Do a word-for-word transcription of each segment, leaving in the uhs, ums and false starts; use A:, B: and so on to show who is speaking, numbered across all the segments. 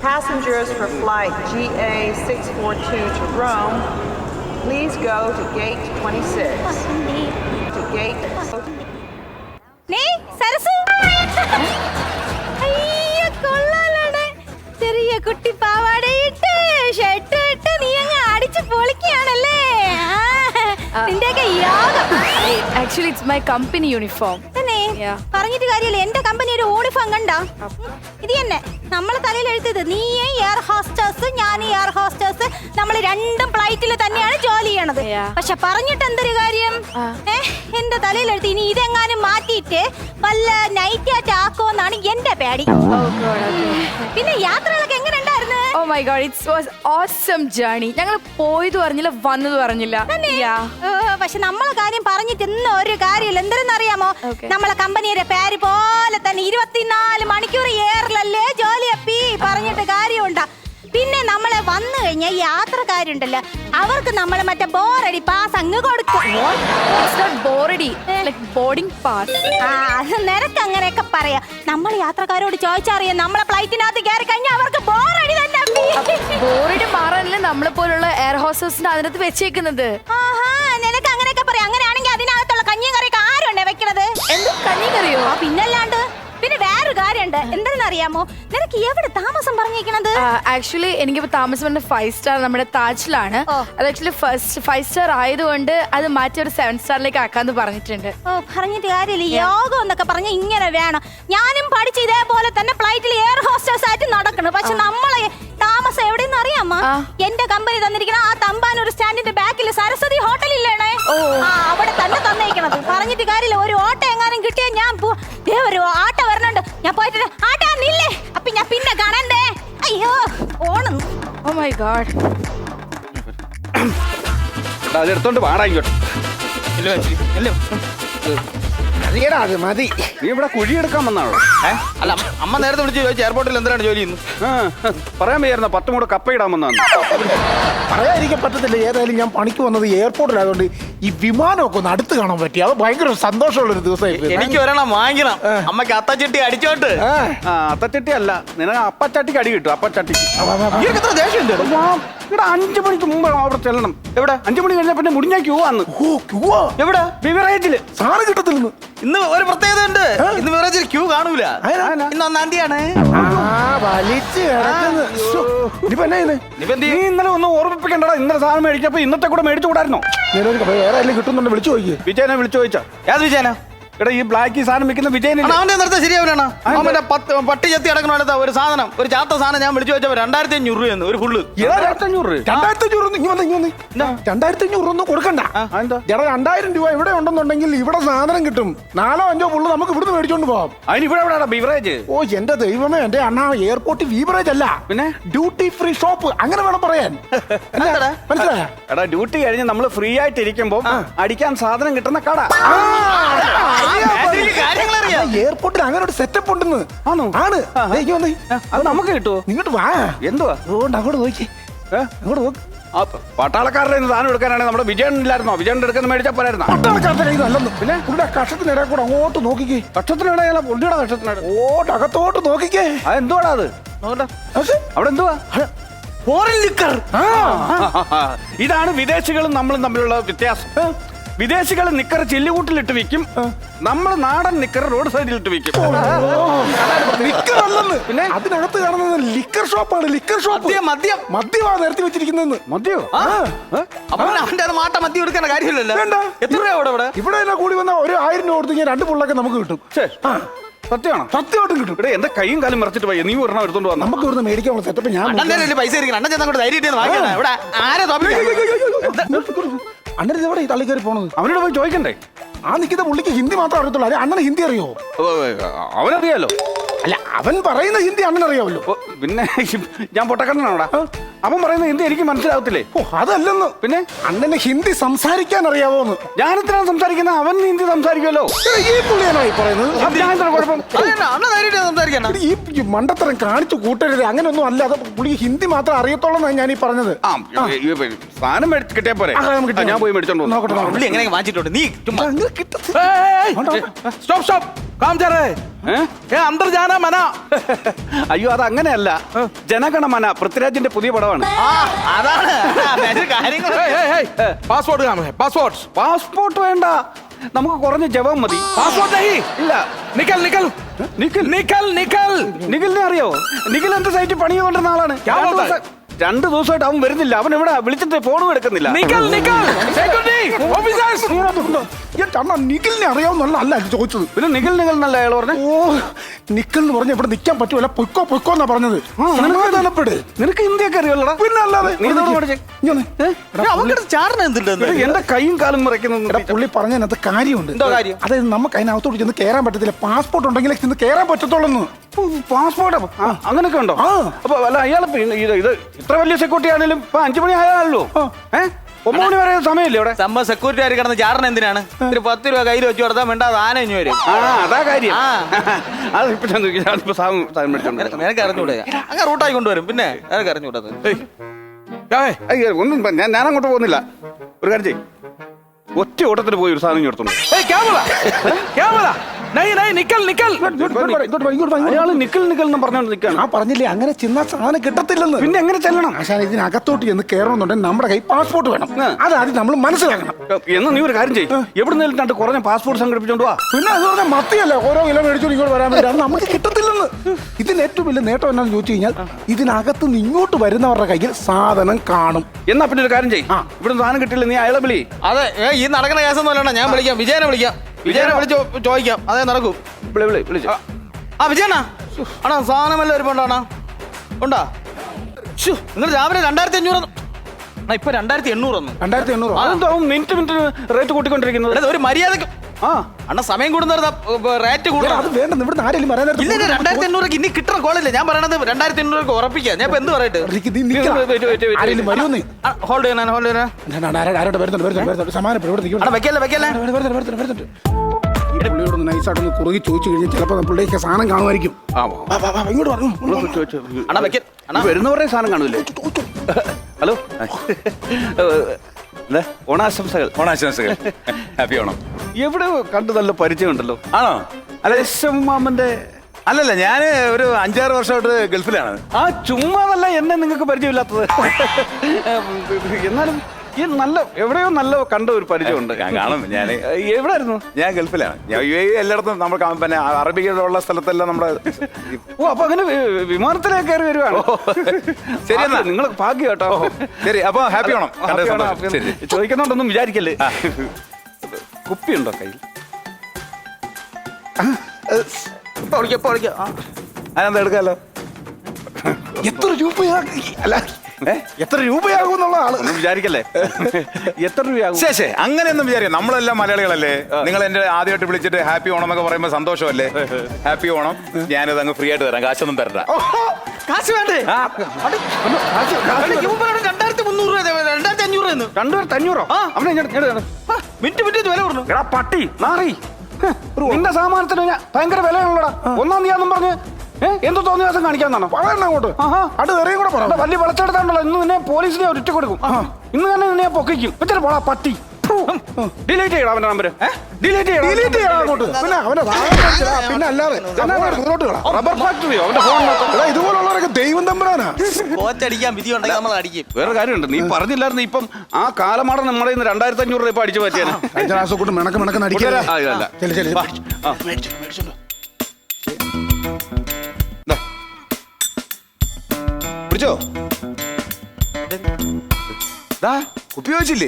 A: Passengers for flight G A six forty-two to Rome, please go to gate twenty-six. To gate...
B: Nee, Sarasu! അയ്യോ കൊള്ളാലാണ്. ചെറിയ കുട്ടി പാവാടയിട്ട് shirt ഇട്ട് നീ അങ്ങ് അടിച്ച് പൊളിക്കുകയാണല്ലേ. നിന്റെയൊക്കെ യോഗം.
C: Actually, it's my company uniform.
B: തന്നെ പറഞ്ഞിട്ട് കാര്യമില്ല. എന്റെ കമ്പനി ഒരു യൂണിഫോം കണ്ടാ ഇത് തന്നെ നമ്മളെ തലയിൽ എഴുതിയത്. നീ എയർ ഹോസ്റ്റേഴ്സ്, ഞാൻ എയർ ഹോസ്റ്റേഴ്സ്. നമ്മൾ രണ്ടും ഫ്ലൈറ്റിൽ തന്നെയാണ് ജോലി ചെയ്യണത്. പക്ഷെ പറഞ്ഞിട്ട് എന്തൊരു കാര്യം, ഏഹ് എന്റെ തലയിൽ എഴുതി. ഇനി ഇതെങ്ങാനും മാറ്റിയിട്ട് വല്ല നൈറ്റ് ആയിട്ട് ആക്കുമെന്നാണ് എന്റെ പേടി. പിന്നെ യാത്രകളൊക്കെ എങ്ങനെ ഉണ്ടായിരുന്നു?
C: Oh my god, it was awesome journey. ഞങ്ങൾ പോയത് പറഞ്ഞില്ല, വന്നത് പറഞ്ഞില്ല.
B: പക്ഷെ നമ്മളെ കാര്യം പറഞ്ഞിട്ട് ഇന്ന് ഒരു കാര്യമില്ല. എന്തെന്നറിയാമോ, നമ്മളെ കമ്പനിയുടെ പേര് പോലെ തന്നെ ഇരുപത്തിനാല് മണിക്കൂർ എയറിലല്ലേ ജോലി അപ്പി. പറഞ്ഞിട്ട് കാര്യമുണ്ടാ. പിന്നെ നമ്മളെ വന്നു കഴിഞ്ഞ യാത്രക്കാരുണ്ടല്ലോ, അവർക്ക് നമ്മൾ മറ്റേ ബോറടി പാസ് അങ്ങ് കൊടുക്കും. നിനക്ക് അങ്ങനെയൊക്കെ പറയാ. നമ്മൾ യാത്രക്കാരോട് ചോദിച്ചറിയാം. നമ്മളെ ഫ്ലൈറ്റിനകത്ത് കയറി കഴിഞ്ഞാൽ അവർക്ക് ബോറടി തന്നെ.
C: ബോറടി മാറാനല്ലേ നമ്മളെ പോലുള്ള എയർ ഹോസ്റ്റേഴ്സിന്റെ അതിനകത്ത് വെച്ചേക്കുന്നത്.
B: ആഹാ, നിനക്ക് അങ്ങനെയൊക്കെ പറയാം. അങ്ങനെയാണെങ്കിൽ അതിനകത്തുള്ള കഞ്ഞിയും കറിയൊക്കെ ആരുണ്ടേ വെക്കണത്?
C: എന്ത് കഞ്ഞി കറിയോ?
B: പിന്നല്ലാണ്ട്. പിന്നെ വേറൊരു കാര്യമുണ്ട്. എന്തെന്നറിയാമോ, നിനക്ക് എവിടെ താമസം പറഞ്ഞേക്കണത്?
C: ആക്ച്വലി എനിക്കിപ്പോ താമസം പറഞ്ഞ ഫൈവ് സ്റ്റാർ നമ്മുടെ താജിലാണ്. അത് ആക്ച്വലി ഫസ്റ്റ് ഫൈവ് സ്റ്റാർ ആയതുകൊണ്ട് അത് മാറ്റി ഒരു സെവൻ സ്റ്റാറിലേക്ക് ആക്കാന്ന് പറഞ്ഞിട്ടുണ്ട്.
B: ഓ, പറഞ്ഞിട്ട് കാര്യമില്ല. യോഗം എന്നൊക്കെ പറഞ്ഞ ഇങ്ങനെ വേണം. ഞാനും പഠിച്ച ഇതേപോലെ തന്നെ ഫ്ലൈറ്റിൽ എയർ ഹോസ്റ്റേഴ്സ് ആയിട്ട് നടക്കണം. പക്ഷെ നമ്മളെ താമസം എവിടെയെന്ന് അറിയാമോ? എന്റെ കമ്പനി തന്നിരിക്കണ ആ തമ്പാനൂർ സ്റ്റാൻഡിന്റെ ബാക്കിൽ സരസ്വതി ഹോട്ടൽ ഇല്ലേണേ, അവിടെ തന്നെ തന്നേക്കണത്. പറഞ്ഞിട്ട് കാര്യമില്ല. ഒരു ഓട്ടോ എങ്ങാനും കിട്ടിയാ ഞാൻ ഒരു ആട്ടോ വരണുണ്ട്. ഞാൻ പോയിട്ട് ആട്ടാ നില്ലേ, അപ്പൊ ഞാൻ പിന്നെ കാണണ്ടേ. അയ്യോ ഓണം.
C: Oh my god.
D: അതെടുത്തോണ്ട് പാടാ ഇങ്ങോട്ട്.
E: അത് മതി.
D: നീ ഇവിടെ കുഴിയെടുക്കാൻ വന്നാണോ?
E: അല്ല, അമ്മ നേരത്തെ വിളിച്ച് ചോദിച്ചു എയർപോർട്ടിൽ എന്തിനാണ് ജോലി ചെയ്യുന്നു.
D: പറയാൻ വയ്യായിരുന്ന പത്തും കൂടെ കപ്പ ഇടാൻ വന്നാണ്.
F: പറയാതിരിക്കാൻ പറ്റത്തില്ല. ഏതായാലും ഞാൻ പണിക്ക് വന്നത് എയർപോർട്ടിലായതുകൊണ്ട് ഈ വിമാനമൊക്കെ ഒന്ന് അടുത്ത് കാണാൻ പറ്റി. അത് ഭയങ്കര സന്തോഷമുള്ള ഒരു ദിവസമായി.
E: എനിക്ക് ഒരെണ്ണം വാങ്ങിക്കണം. അമ്മക്ക് അത്തച്ചട്ടി അടിച്ചോട്ട്.
D: അത്തച്ചട്ടി അല്ല, നിനക്ക് അപ്പച്ചട്ടിക്ക് അടി കിട്ടും. അപ്പച്ചട്ടിക്ക്
E: എത്ര ദേഷ്യം.
D: ഇവിടെ അഞ്ചു മണിക്ക് മുമ്പ് അവിടെ ചെല്ലണം. എവിടെ? അഞ്ചു മണി കഴിഞ്ഞാൽ പിന്നെ മുടിഞ്ഞാ ക്യൂ ആണ്.
E: എവിടെ?
D: ബിവറേജില്
F: സാറ് കിട്ടത്തില്ലെന്ന്.
E: ഇന്ന് ഒരു പ്രത്യേകത ഉണ്ട്. ഇന്ന് ബിവറേജിൽ ക്യൂ കാണൂല. ഇന്ന് ഒന്നാം തീയതിയാണ്.
D: നീ ഇന്നലെ ഒന്ന് ഓർമ്മിപ്പിക്കണ്ടടാ. ഇന്നലെ സാധനം മേടിച്ചപ്പോ ഇന്നത്തെ കൂടെ മേടിച്ചു കൂടായിരുന്നോ?
F: വേറെ ആരെങ്കിലും കിട്ടുന്നുണ്ട്, വിളിച്ചു ചോദിക്കുക.
D: വിജയനെ വിളിച്ചു ചോദിച്ചാ.
E: ഏത് വിജയനാ?
D: എടാ, ഈ ബ്ലാക്ക് സാധനം വിൽക്കുന്ന വിജയനെ.
E: അവന്റെ നിർത്താൻ ശരിയാവില്ലാണ്. അവന്റെ പത്ത് പട്ടി ചെത്തി അടക്കണ അടുത്ത ഒരു സാധനം, ഒരു ചാത്ത സാധനം ഞാൻ വിളിച്ചു വെച്ചപ്പോ രണ്ടായിരത്തി അഞ്ഞൂറ് രൂപയെന്ന് ഒരു ഫുള്ള്.
D: രണ്ടായിരത്തി അഞ്ഞൂറ്
F: രണ്ടായിരത്തി അഞ്ഞൂറ് രണ്ടായിരത്തി അഞ്ഞൂറ് ഒന്നും കൊടുക്കണ്ട. ചേട്ടാ, രണ്ടായിരം രൂപ ഇവിടെ ഉണ്ടെന്നുണ്ടെങ്കിൽ ഇവിടെ സാധനം കിട്ടും. നാലോ അഞ്ചോ ഫുള്ള് നമുക്ക് ഇവിടുന്ന് മേടിച്ചോണ്ട് പോവാം.
D: അതിന് ഇവിടെ എവിടെയാണ് ബിവറേജ്?
F: ഓ എന്റെ ദൈവമേ, എന്റെ അണ്ണാ, എയർപോർട്ട് ബീവറേജ് അല്ല, പിന്നെ ഡ്യൂട്ടി ഫ്രീ ഷോപ്പ്. അങ്ങനെ വേണം പറയാൻ. മനസ്സിലായ?
D: എടാ, ഡ്യൂട്ടി കഴിഞ്ഞ് നമ്മൾ ഫ്രീ ആയിട്ട് ഇരിക്കുമ്പോ അടിക്കാൻ സാധനം കിട്ടുന്ന കട.
F: എയർപോർട്ടിൽ അങ്ങനെ ഒരു സെറ്റപ്പ് ഉണ്ടെന്ന്. ആണ്.
D: അത് നമുക്ക് കിട്ടുമോ?
F: ഇങ്ങോട്ട് വാ.
D: എന്തുവാ?
F: അതുകൊണ്ട് അങ്ങോട്ട് നോക്കി. അങ്ങോട്ട് നോക്ക്.
D: പട്ടാളക്കാരുടെ സാധനം എടുക്കാനാണെങ്കിൽ നമ്മുടെ വിജയൻ ഇല്ലായിരുന്നോ? വിജയൻ എടുക്കുന്ന മേടിച്ചാൽ പോരായിരുന്നോ?
F: പട്ടാളക്കാരുടെ ഇത് അല്ലെന്ന്. പിന്നെ പുള്ളിയുടെ കഷത്തിനിടെ കൂടെ അങ്ങോട്ട് നോക്കിക്കേ.
D: കക്ഷത്തിനിടെ പുള്ളിയുടെ കക്ഷത്തിനിടെ
F: ഓട്ട് അകത്തോട്ട് നോക്കിക്കേ.
D: അത് എന്തുവാടാ അത്? അവിടെ എന്തുവാ?
E: Foreign liquor.
D: ഇതാണ് വിദേശികളും നമ്മളും തമ്മിലുള്ള വ്യത്യാസം. വിദേശികൾ നിക്കർ ചില്ലുകൂട്ടിലിട്ട് വിൽക്കും, നമ്മൾ നാടൻ നിക്കർ റോഡ് സൈഡിലിട്ട് വിൽക്കും.
F: പിന്നെ അതിനകത്ത് കാണുന്നത് ലിക്കർ ഷോപ്പാണ്. Liquor shop.
E: മദ്യം
F: മദ്യമാണ് നിരത്തി വെച്ചിരിക്കുന്നത്.
D: മദ്യോ?
E: അവന്റെ അത് മാട്ട മദ്യം എടുക്കേണ്ട കാര്യമില്ലല്ലോ.
F: വേണ്ട.
E: എത്ര രൂപ ഇവിടെ?
F: ഇവിടെ തന്നെ കൂടി വന്ന ഒരു ആയിരം രൂപ കൊടുത്തു കഴിഞ്ഞാൽ രണ്ട് പുള്ളൊക്കെ നമുക്ക് കിട്ടും.
D: സത്യമാണോ?
F: സത്യമായിട്ടും കിട്ടും.
D: ഇവിടെ എന്റെ കൈയും കാലും മറച്ചിട്ട് പോയി. നീ ഒരെണ്ണം എടുത്തോണ്ട് വന്നു.
F: നമുക്ക് ഇവിടുന്ന് മേടിക്കാനുള്ള സെറ്റപ്പ് ഞാൻ
E: പൈസ
F: അണ്ണൻ എവിടെ ഈ തള്ളി കയറി പോണത്?
D: അവനോട് പോയി ചോദിക്കണ്ടേ?
F: ആ നിൽക്കുന്ന പുള്ളിക്ക് ഹിന്ദി മാത്രം അറിയത്തുള്ളൂ. അല്ലെ അണ്ണന് ഹിന്ദി അറിയോ?
D: അവനറിയാലോ.
F: അല്ല, അവൻ പറയുന്ന ഹിന്ദി അണ്ണൻ അറിയാമല്ലോ.
D: പിന്നെ ഞാൻ പൊട്ടക്കണ്ണനാണോടാ? അവൻ പറയുന്ന ഹിന്ദി എനിക്ക് മനസ്സിലാവത്തില്ലേ?
F: ഓ, അതല്ലെന്ന്. പിന്നെ അണ്ണന് ഹിന്ദി സംസാരിക്കാൻ അറിയാവോന്ന്?
D: ഞാനെത്രയാണ് സംസാരിക്കുന്നത്? അവൻ ഹിന്ദി സംസാരിക്കുമല്ലോ.
F: ഈ പുള്ളിയാണോ ഈ പറയുന്നത്?
D: കുഴപ്പം.
F: ഈ മണ്ടത്തരം കാണിച്ചു കൂട്ടരുത്. അങ്ങനെയൊന്നും അല്ല. അത് പുള്ളി ഹിന്ദി മാത്രം അറിയത്തോളെന്നാണ് ഞാൻ ഈ പറഞ്ഞത്.
D: സാധനം കിട്ടിയാ പോരെ? ഞാൻ പോയി മേടിച്ചോണ്ട്
E: എങ്ങനെ വാങ്ങിച്ചിട്ടുണ്ട്? നീ
D: സ്റ്റോപ്പ് സ്റ്റോപ്പ് ഏ?
E: ഏ അന്തർ ജാന മന
D: അയ്യോ അത് അങ്ങനെയല്ല ജനഗണമന പൃഥ്വിരാജിന്റെ പുതിയ പടമാണ്
E: ആ അതാണ് അതിന്റെ കാര്യങ്ങൾ
G: പാസ്പോർട്ട് പാസ്പോർട്ട്
D: പാസ്പോർട്ട് വേണ്ട നമുക്ക് കുറഞ്ഞ ജപം മതി
G: പാസ്പോർട്ട്
D: ഇല്ല
G: നിക്കൽ നിക്കൽ
D: നിഖിൽ
G: നിക്കൽ നിക്കൽ
D: നിഖിലിനെ അറിയോ നിഖിൽ എന്ത് സൈറ്റ് പണി കൊണ്ടിരുന്ന ആളാണ്
G: ക്യാ
D: രണ്ട്
G: ബോൾതാ?
D: ദിവസം- രണ്ട് ദിവസമായിട്ട് അവൻ വരുന്നില്ല അവൻ ഇവിടെ വിളിച്ചിട്ട് ഫോണും എടുക്കുന്നില്ല
G: നിക്കൽ നിക്കൽ സെക്യൂരിറ്റി ഓഫീസേഴ്സ്
F: നിഖിലിനെ അറിയാവുന്നല്ല അല്ല ഇത് ചോദിച്ചത്.
D: പിന്നെ നിഖിൽ നിഖിൽ എന്നല്ല അയാൾ പറഞ്ഞു
F: ഓ നിഖിൽ എന്ന് പറഞ്ഞ ഇവിടെ നിൽക്കാൻ പറ്റൂല പൊയ്ക്കോ പൊയ്ക്കോ എന്നാ പറഞ്ഞത്. സമാധാനപ്പെട്.
D: നിനക്ക് ഹിന്ദിയൊക്കെ അറിയാമല്ലോടാ
F: പിന്നെ അല്ലാതെ
D: നീ ഇതോട് പഠിച്ചേ
F: ഇങ്ങ് വന്നേ. എടാ,
E: അവർക്ക് ചാടന എന്തുണ്ടെന്ന്
D: എടാ, എന്റെ കൈയും കാലും
F: എടാ
D: മറയ്ക്കുന്നു
F: പുള്ളി പറഞ്ഞതിനകത്ത് കാര്യമുണ്ട്.
E: എന്തോ കാര്യം?
F: അതായത് നമുക്ക് അതിനകത്തോട്ട് ചെന്ന് കയറാൻ പറ്റത്തില്ല. പാസ്പോർട്ട് ഉണ്ടെങ്കിലേ ചെന്ന് കയറാൻ പറ്റത്തുള്ളൂ.
D: പാസ്പോർട്ട് അങ്ങനൊക്കെ ഉണ്ടോ
F: ആ.
D: അപ്പൊ അല്ല അയാൾ ഇത് ഇത് ഇത്ര വലിയ സെക്യൂരിറ്റി ആണെങ്കിലും ഇപ്പൊ അഞ്ചു മണി ആയാലോ ഏഹ് ഒമ്പത് മണി വരെ സമയമില്ലേ ഇവിടെ
E: സംഭവം സെക്യൂരിറ്റി ആര് കിടന്ന് ചാടന എന്തിനാണ് ഒരു പത്ത് രൂപ കയ്യിൽ വെച്ച് കൊടുത്താൽ വേണ്ട ആന ഇഞ്ഞു വരും
D: ആ അതാ കാര്യം
E: ആ.
D: അത് ഇപ്പൊ ചെന്ന് നോക്കി, ഞാനിപ്പോ സാധനം സാധനം മേടിച്ചോണ്ട് വരാം.
E: നിനക്ക് അറിഞ്ഞൂടെ അങ്ങനെ റൂട്ടായി കൊണ്ടുവരും പിന്നെ നിനക്ക് അറിഞ്ഞൂടത്
D: അയ്യോ, ഒന്നും പ- ഞാൻ ഞാൻ അങ്ങോട്ട് പോകുന്നില്ല ഒരു കാര്യം ചെയ്യും ഒറ്റ ഓട്ടത്തിന് പോയി ഒരു സാധനം എടുത്തോണ്ട്
G: ഏയ് ക്യാ ബോലാ ക്യാ ബോലാ നൈ നൈ നിക്കൽ നിക്കൽ
F: ഇങ്ങോട്ട് വാ, ഇങ്ങോട്ട് വാ, ഇങ്ങോട്ട് വാ.
D: അയാള് നിക്കൽ നിക്കൽ എന്ന് പറഞ്ഞോണ്ട് നിൽക്കാണ്
F: ഞാൻ പറഞ്ഞില്ലേ അങ്ങനെ ചെന്ന സാധനം കിട്ടത്തില്ലെന്ന്.
D: പിന്നെ എങ്ങനെ ചെല്ലണം
F: ആശാൻ ഇതിനകത്തോട്ട് ചെന്ന് കയറണമെന്നുണ്ടെങ്കിൽ നമ്മുടെ കൈ പാസ്പോർട്ട് വേണം.
D: ആ.
F: അതാദ്യം നമ്മൾ മനസ്സിലാക്കണം.
D: എന്ന് നീ ഒരു കാര്യം ചെയ്യും എവിടെ നിന്നിട്ട് രണ്ട് കുറഞ്ഞ പാസ്പോർട്ട് സംഘടിപ്പിച്ചോണ്ട് വാ
F: പിന്നെ അത് പറഞ്ഞാൽ മത്തിയല്ലേ ഓരോ കിലോ മേടിച്ചോണ്ട് ഇങ്ങോട്ട് വരാൻ വേണ്ടി അത് നമുക്ക് കിട്ടത്തില്ലെന്ന്. ഇതിന് ഏറ്റവും വലിയ നേട്ടം എന്നാന്ന് ചോദിച്ചു കഴിഞ്ഞാൽ ഇതിനകത്ത് നിന്ന് ഇങ്ങോട്ട് വരുന്നവരുടെ കയ്യിൽ സാധനം കാണും.
D: എന്നാ പിന്നെ ഒരു കാര്യം ചെയ്യും
F: ആ.
D: ഇവിടെ സാധനം കിട്ടില്ല നീ അയാളെ വിളി
E: അതെ ഏ, ഈ നടക്കുന്ന കേസൊന്നും അല്ലണ്ട ഞാൻ വിളിക്കാം വിജയനെ വിളിക്കാം വിജയനെ വിളിച്ച് ചോദിക്കാം അതേ നടക്കും
D: വിളി വിളി വിളിച്ചു
E: ആ വിജയനാ ആണോ സാധനമല്ല ഒരു ഉണ്ടോ ഉണ്ടാ നിങ്ങൾ രാവിലെ രണ്ടായിരത്തി അഞ്ഞൂറ് ആ ഇപ്പൊ രണ്ടായിരത്തി എണ്ണൂറ് ഒന്ന്
F: രണ്ടായിരത്തി എണ്ണൂറ്
D: അതെന്തോ മിനിറ്റ് മിനിറ്റ് റേറ്റ് കൂട്ടിക്കൊണ്ടിരിക്കുന്നത്
E: ഒരു മര്യാദക്ക്
D: ആ
E: അണ്ണ സമയം കൂടുന്ന റേറ്റ്
F: അത്
E: കൂടുതലാണ്
F: വേണ്ട ഇവിടുന്ന് ആരെങ്കിലും വരാൻ നേരത്ത്
E: ഇല്ല രണ്ടായിരത്തി എണ്ണൂറ് ഇനി കിട്ടണ കോളില്ല ഞാൻ പറയണത് രണ്ടായിരത്തി എണ്ണൂറ് ഉറപ്പിക്കാം ഞാൻ ഇപ്പൊ എന്ത് പറയട്ടെ
F: എനിക്ക് നീ നിൽക്കണം.
D: wait, wait, wait, wait.
F: ആരെങ്കിലും വരുമെന്നേ.
E: ഹോൾഡ് ചെയ്യണ ഹോൾഡ് ചെയ്യണ
F: ഞാൻ ആരാ- ആരോട് വരുന്നുണ്ട് വരുന്നുണ്ട് വരുന്നുണ്ട് സമാനപ്പെടും ഇവിടെ നിൽക്കണം.
E: അണ്ണ വെക്കല്ലേ വെക്കല്ലേ
F: വരുന്നുണ്ട്, വരുന്നുണ്ട്, വരുന്നുണ്ട്, വരുന്നുണ്ട്. ഈ പുള്ളിയോടൊന്ന് നൈസായിട്ടൊന്ന് കുറുകി ചോദിച്ചു കഴിഞ്ഞാൽ ചിലപ്പോൾ പുള്ളിക്ക് സാധനം കാണുമായിരിക്കും.
D: ആ,
F: വാ, വാ, വാ, ഇങ്ങോട്ട് വരണം.
E: അണ്ണ വെക്ക അണ്ണ
D: വരുന്നവരുടെ സാധനം കാണൂലേ ഹലോ എന്താ? ഓണാശംസകൾ
G: ഓണാശംസകൾ ഹാപ്പി ഓണം
D: എവിടെ കണ്ടു നല്ല പരിചയമുണ്ടല്ലോ
G: ആണോ
D: അല്ല മാമന്റെ
G: അല്ലല്ല ഞാൻ ഒരു അഞ്ചാറ് വർഷമായിട്ട് ഗൾഫിലാണ്
D: ആ ചുമ്മാതല്ല എന്നെ നിങ്ങൾക്ക് പരിചയമില്ലാത്തത് എന്നാലും ഈ നല്ല എവിടെയോ നല്ല കണ്ട ഒരു പരിചയമുണ്ട്
G: ഞാൻ കാണും ഞാൻ
D: എവിടായിരുന്നു
G: ഞാൻ ഗൾഫിലാണ് ഞാൻ യു എ എല്ലായിടത്തും നമ്മൾ കാ- പിന്നെ അറബികളുള്ള സ്ഥലത്തെല്ലാം നമ്മുടെ
D: ഓ അപ്പൊ അങ്ങനെ വി- വിമാനത്തിലേക്ക് കയറി വരുവാണ്
G: ശരി എന്നാ.
D: നിങ്ങൾ ഭാഗ്യം കേട്ടോ
G: ശരി അപ്പൊ ഹാപ്പി ഓണം കണ്ടതിൽ
D: ഹാപ്പി ആണ്,
G: സന്തോഷം.
D: ഹാപ്പി ആണ്.
G: ശരി
D: ചോദിക്കുന്നുണ്ടൊന്നും വിചാരിക്കല്ലേ കുപ്പിയുണ്ടോ കയ്യിൽ
E: ഇപ്പൊ വിളിക്കാം ഇപ്പൊ വിളിക്കാം ആ.
G: അതെന്താ എടുക്കാമല്ലോ
F: എത്ര രൂപയാ അല്ല
D: ഏ?
F: എത്ര രൂപയാകും എന്നുള്ള ആള്
D: ഒന്നും വിചാരിക്കല്ലേ എത്ര രൂപയാകും
G: ശേ ശേ അങ്ങനെയൊന്നും വിചാരിക്കാം നമ്മളെല്ലാം മലയാളികളല്ലേ നിങ്ങൾ എന്റെ ആദ്യമായിട്ട് വിളിച്ചിട്ട് ഹാപ്പി ഓണം എന്നൊക്കെ പറയുമ്പോൾ സന്തോഷമല്ലേ ഹാപ്പി ഓണം ഞാനിത് അങ്ങ് ഫ്രീ ആയിട്ട് തരാം കാശൊന്നും തരണ്ട
E: കാശ് വേണ്ടേ
D: ആ,
E: അടി, ഇവൻ പറയണത് രണ്ടായിരത്തി മുന്നൂറ് രൂപ രണ്ടായിരത്തി അഞ്ഞൂറ് എന്ന്
D: രണ്ടുപേർ അഞ്ഞൂറോ
E: ആ.
D: അവനെ ഇങ്ങോട്ട് ഇങ്ങോട്ട് ഇങ്ങോട്ട്.
E: ആ, മിനിറ്റ് മിനിറ്റ് വില പറഞ്ഞു
D: എടാ പട്ടി മാറി നിന്റെ സാമാനത്തിന് ഞാൻ ഭയങ്കര വിലയാണല്ലോടാ ഒന്നാം തീയതി പറഞ്ഞ് ഏ? എന്ത് തോന്നിയ ദിവസം കാണിക്കാന്നാണോ
F: പറയണ അങ്ങോട്ട്
D: ആഹാ.
F: അത് വേറെയും കൂടെ പറ.
D: എടാ, വലിയ വിളച്ചെടുത്താണല്ലോ ഇന്ന് നിന്നെ പോലീസിനെ ഒരിട്ട് കൊടുക്കും ഇന്ന് തന്നെ നിന്നെ പൊക്കിക്കും വെച്ചിട്ട് പോടാ പട്ടി ഡിലീറ്റ് ചെയ്യണം അവന്റെ നമ്പർ ഡിലീറ്റ് ചെയ്യണം
F: ഡിലീറ്റ് ചെയ്യണം അങ്ങോട്ട്. പിന്നെ അവന്റെ സാധനം മേടിച്ചതാ, പിന്നെ അല്ലാതെ ദൂരോട്ട് കളാം.
D: റബ്ബർ ഫാക്ടറിയോ അവന്റെ ഫോണിനകത്ത്
F: എടാ, ഇതുപോലുള്ളവരൊക്കെ ദൈവം തമ്പുരാനാ.
E: കോച്ചടിക്കാൻ വിധി ഉണ്ടെങ്കിൽ നമ്മൾ അടിക്കും
D: വേറെ കാര്യമുണ്ട് നീ പറഞ്ഞില്ലായിരുന്നു ഇപ്പം ആ കാലമാടം നമ്മുടെ ഇന്ന് രണ്ടായിരത്തി അഞ്ഞൂറ് രൂപ അടിച്ചു പറ്റിയാണ്
F: കഴിഞ്ഞ പ്രാവശ്യം കൊണ്ട് മിണക്ക് മിണക്ക് നടിക്കല.
D: ആ, ഇതല്ല.
F: ചെല്ലു ചെല്ലു
D: വാ. ആ.
G: പിടിച്ചോ ദാ കുപ്പി വെച്ചില്ലേ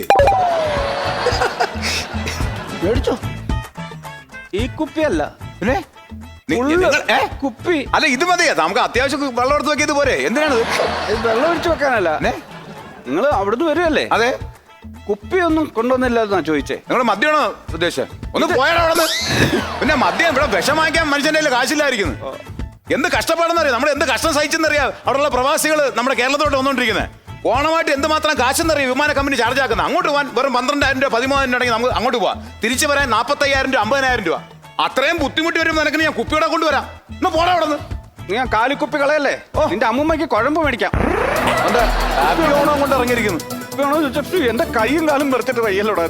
F: മേടിച്ചോ.
D: ഈ കുപ്പിയല്ല
G: പിന്നെ നി-
D: ഉള്ളു.
G: നിങ്ങൾ- ഏ?
D: കുപ്പി
G: അല്ല ഇത് മതിയാ നമുക്ക് അത്യാവശ്യം വെള്ളം എടുത്ത് വെക്കിയത് പോരെ എന്തിനാണ്
D: ഇത് വെള്ളം ഒഴിച്ചു വെക്കാനല്ല
G: ഏ?
D: നിങ്ങൾ അവിടുന്ന് വരുമല്ലേ
G: അതെ
D: കുപ്പിയൊന്നും കൊണ്ടുവന്നില്ല എന്നാ ചോദിച്ചേ
G: നിങ്ങൾ മദ്യമാണോ ഉദ്ദേശിച്ചത് ഒന്ന് പോയാലോ അവിടെ നിന്ന് പിന്നെ മദ്യം ഇവിടെ വിഷം വാങ്ങിക്കാൻ മനുഷ്യന്റെ കയ്യിൽ കാശില്ലായിരിക്കുന്നു എന്ത് കഷ്ടപ്പാടെന്നറിയാം നമ്മുടെ എന്ത് കഷ്ടം സഹിച്ചെന്നറിയാം അവിടെയുള്ള പ്രവാസികൾ നമ്മുടെ കേരളത്തോട്ട് വന്നുകൊണ്ടിരിക്കുന്നത് ഓണമായിട്ട് എന്തുമാത്രം കാശെന്നറിയാം വിമാന കമ്പനി ചാർജ് ആക്കുന്നത് അങ്ങോട്ട് പോകാൻ വെറും പന്ത്രണ്ടായിരം രൂപ പതിമൂവായിരം രൂപ ഉണ്ടെങ്കിൽ നമുക്ക് അങ്ങോട്ട് പോവാം തിരിച്ചു വരാൻ നാൽപ്പത്തയ്യായിരം രൂപ അമ്പതിനായിരം രൂപ അത്രയും ബുദ്ധിമുട്ടി വരുമ്പോൾ നിനക്ക് ഞാൻ കുപ്പിയോടെ കൊണ്ടുവരാം ഒന്ന് പോടാ അവിടെ നിന്ന്
D: നീ ആ കാലിക്കുപ്പി കളയല്ലേ നിന്റെ അമ്മൂമ്മയ്ക്ക് കുഴമ്പ് മേടിക്കാം
G: എന്താ ഹാപ്പി ഓണം കൊണ്ട് ഇറങ്ങിയിരിക്കുന്നു
D: വേണോ ചോദിച്ചു എന്റെ കൈയും കാലും വെറുത്തിട്ട് വയ്യല്ലോടാ.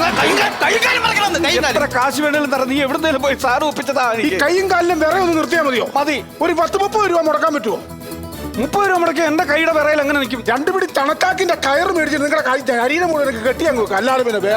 D: എത്ര കാശ് വേണേലും തരാം. നീ എവിടുന്നേലും പോയി സാറ് ഒപ്പിച്ചതാ.
F: ഈ കൈയും കാലിലും വിറ ഒന്ന് നിർത്തിയാൽ മതിയോ?
D: മതി.
F: ഒരു പത്ത് മുപ്പത് രൂപ മുടക്കാൻ പറ്റുമോ?
D: മുപ്പത് രൂപ മുടക്കി എന്റെ കൈയുടെ വിറയിൽ എങ്ങനെ നിൽക്കും?
F: രണ്ടു പിടി തണക്കാക്കിന്റെ കയർ മേടിച്ച് നിങ്ങളുടെ കൈ ശരീരം മുഴുവൻ എനിക്ക് കെട്ടിയാൻ നോക്കുക. അല്ലാതെ പിന്നെ വേറെ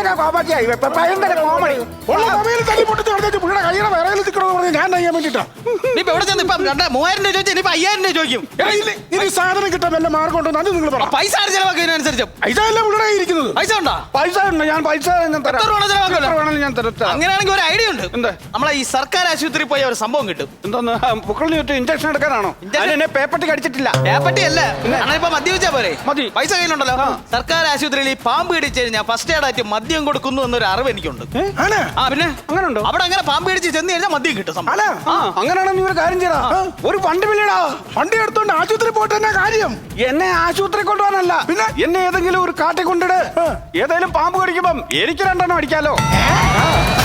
F: കൈയുടെ വിറയിൽ നിൽക്കണമെന്ന് പറഞ്ഞ് ഞാൻ ചെയ്യാൻ വേണ്ടിട്ടാ.
E: മൂവായിരം രൂപ ചോദിച്ചാൽ ഇനിയിപ്പോ അയ്യായിരം രൂപ ചോദിക്കും.
F: ഇനി സാധനം കിട്ടാൻ വല്ല മാർഗം ഉണ്ടോ? അത് നിങ്ങൾ പറ.
E: പൈസ ചെലവാക്കുന്നതിനനുസരിച്ച്
F: പൈസ എല്ലാം ഇവിടെ ഇരിക്കുന്നത്.
E: പൈസ ഉണ്ടോ?
D: പൈസ ഉണ്ട്. ഞാൻ പൈസ ഞാൻ തരാം.
E: എത്ര രൂപ ചെലവാക്കുമല്ലോ?
D: എത്ര വേണേലും ഞാൻ തരാം.
E: അങ്ങനെയാണെങ്കിൽ ഒരു ഐഡിയ ഉണ്ട്.
D: എന്താ?
E: നമ്മളെ ഈ സർക്കാർ ആശുപത്രി പോയ ഒരു സംഭവം കിട്ടും.
D: എന്തോന്ന് പുക്കളിന് ചുറ്റും ഇഞ്ചക്ഷൻ എടുക്കാനാണോ? എന്നെ പേപ്പട്ടി കടിച്ചിട്ടില്ല.
E: പേപ്പട്ടി അല്ല, ഇപ്പൊ മദ്യപിച്ചാ പോരെ.
D: മതി.
E: പൈസ കയ്യിലുണ്ടല്ലോ. സർക്കാർ ആശുപത്രിയിൽ ഈ പാമ്പ് കടിച്ചു കഴിഞ്ഞാൽ ഫസ്റ്റ് എയ്ഡ് ആയിട്ട് മദ്യം കൊടുക്കുന്നു എന്നൊരു അറിവ് എനിക്കുണ്ട്. ആ പിന്നെ
D: അങ്ങനെ ഉണ്ടോ?
E: അവിടെ അങ്ങനെ പാമ്പ് കടിച്ച് ചെന്ന് കഴിഞ്ഞാൽ മദ്യം കിട്ടും.
D: അങ്ങനെയാണെങ്കിൽ നീ ഒരു കാര്യം ചെയ്യടാ. ഒരു വണ്ടി വിളിയടാ.
F: വണ്ടി എടുത്തോണ്ട് ആശുപത്രി പോയിട്ട് തന്നെ കാര്യം.
D: എന്നെ ആശുപത്രി കൊണ്ടുപോകാനല്ല, പിന്നെ എന്നെ ഏതെങ്കിലും ഒരു കാട്ടിൽ കൊണ്ടിട്. ഏതെങ്കിലും പാമ്പ് കടിക്കുമ്പം എനിക്ക് രണ്ടെണ്ണം അടിക്കാലോ.